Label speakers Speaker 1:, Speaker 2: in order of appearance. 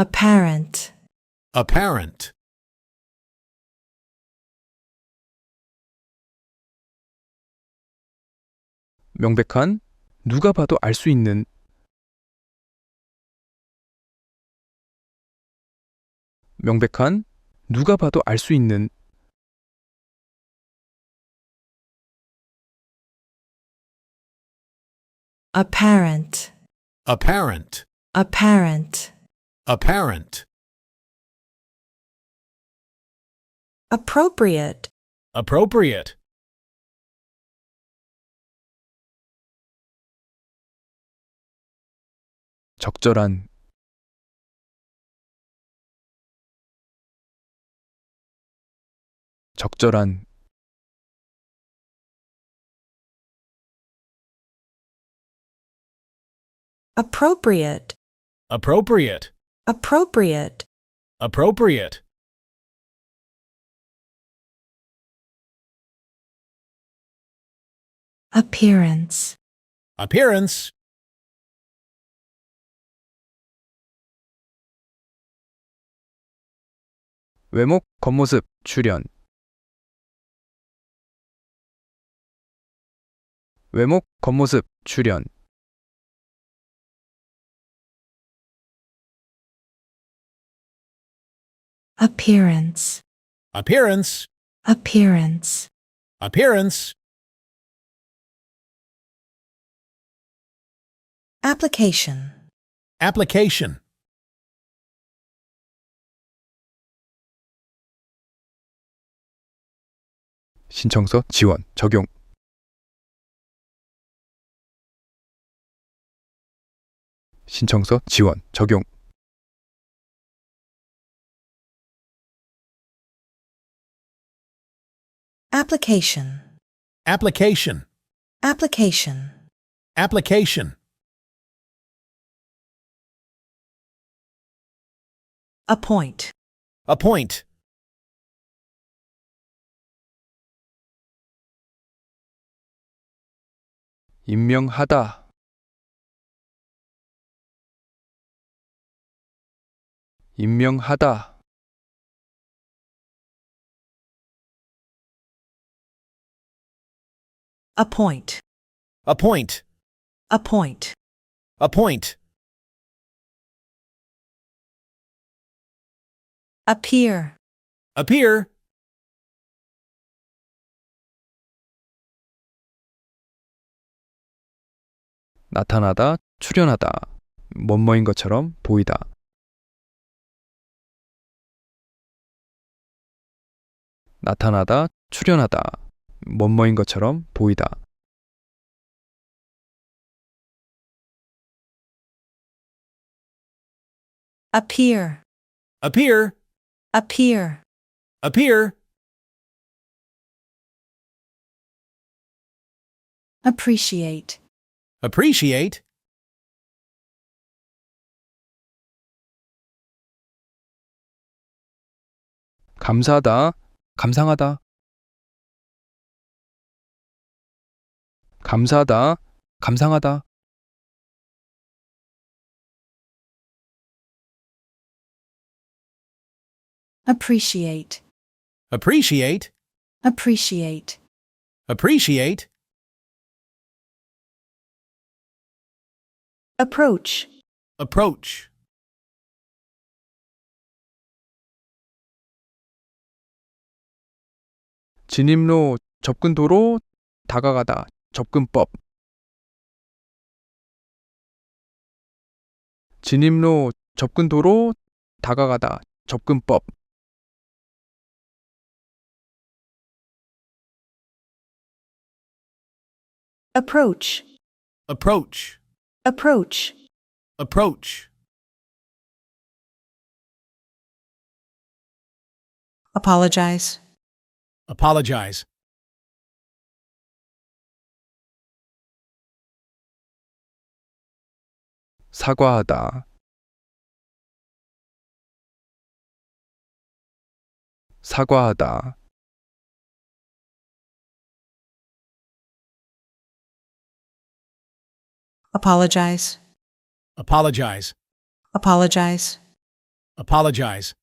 Speaker 1: apparent,
Speaker 2: apparent,
Speaker 3: 명백한, 누가 봐도 알 수 있는, 명백한, 누가 봐도 알 수 있는,
Speaker 1: apparent,
Speaker 2: apparent,
Speaker 1: apparent,
Speaker 2: apparent,
Speaker 1: appropriate,
Speaker 2: appropriate,
Speaker 3: 적절한, 적절한,
Speaker 1: appropriate,
Speaker 2: appropriate,
Speaker 1: appropriate,
Speaker 2: appropriate,
Speaker 1: appearance,
Speaker 2: appearance,
Speaker 3: 외목, 겉모습, 출현, 외목, 겉모습, 출현,
Speaker 1: appearance,
Speaker 2: appearance,
Speaker 1: appearance,
Speaker 2: appearance,
Speaker 1: application,
Speaker 2: application,
Speaker 3: 신청서, 지원, 적용, 신청서, 지원, 적용,
Speaker 1: application,
Speaker 2: application,
Speaker 1: application,
Speaker 2: application,
Speaker 1: appoint,
Speaker 2: appoint,
Speaker 3: 임명하다, 임명하다,
Speaker 1: appoint,
Speaker 2: appoint,
Speaker 1: appoint,
Speaker 2: appoint,
Speaker 1: appear,
Speaker 2: appear,
Speaker 3: 나타나다, 출현하다, 뭐뭐인 것처럼 보이다, 나타나다, 출현하다, 뭐뭐인 것처럼 보이다,
Speaker 1: appear,
Speaker 2: appear,
Speaker 1: appear,
Speaker 2: appear,
Speaker 1: appreciate,
Speaker 2: appreciate,
Speaker 3: 감사하다, 감상하다, 감사하다, 감상하다,
Speaker 1: appreciate,
Speaker 2: appreciate,
Speaker 1: appreciate,
Speaker 2: appreciate,
Speaker 1: approach,
Speaker 2: approach,
Speaker 3: 진입로, 접근도로, 다가가다, 접근법, 진입로, 접근도로, 다가가다, 접근법,
Speaker 1: approach,
Speaker 2: approach,
Speaker 1: approach,
Speaker 2: approach,
Speaker 1: apologize,
Speaker 2: apologize,
Speaker 3: 사과하다, 사과하다,
Speaker 1: apologize,
Speaker 2: apologize,
Speaker 1: apologize,
Speaker 2: apologize,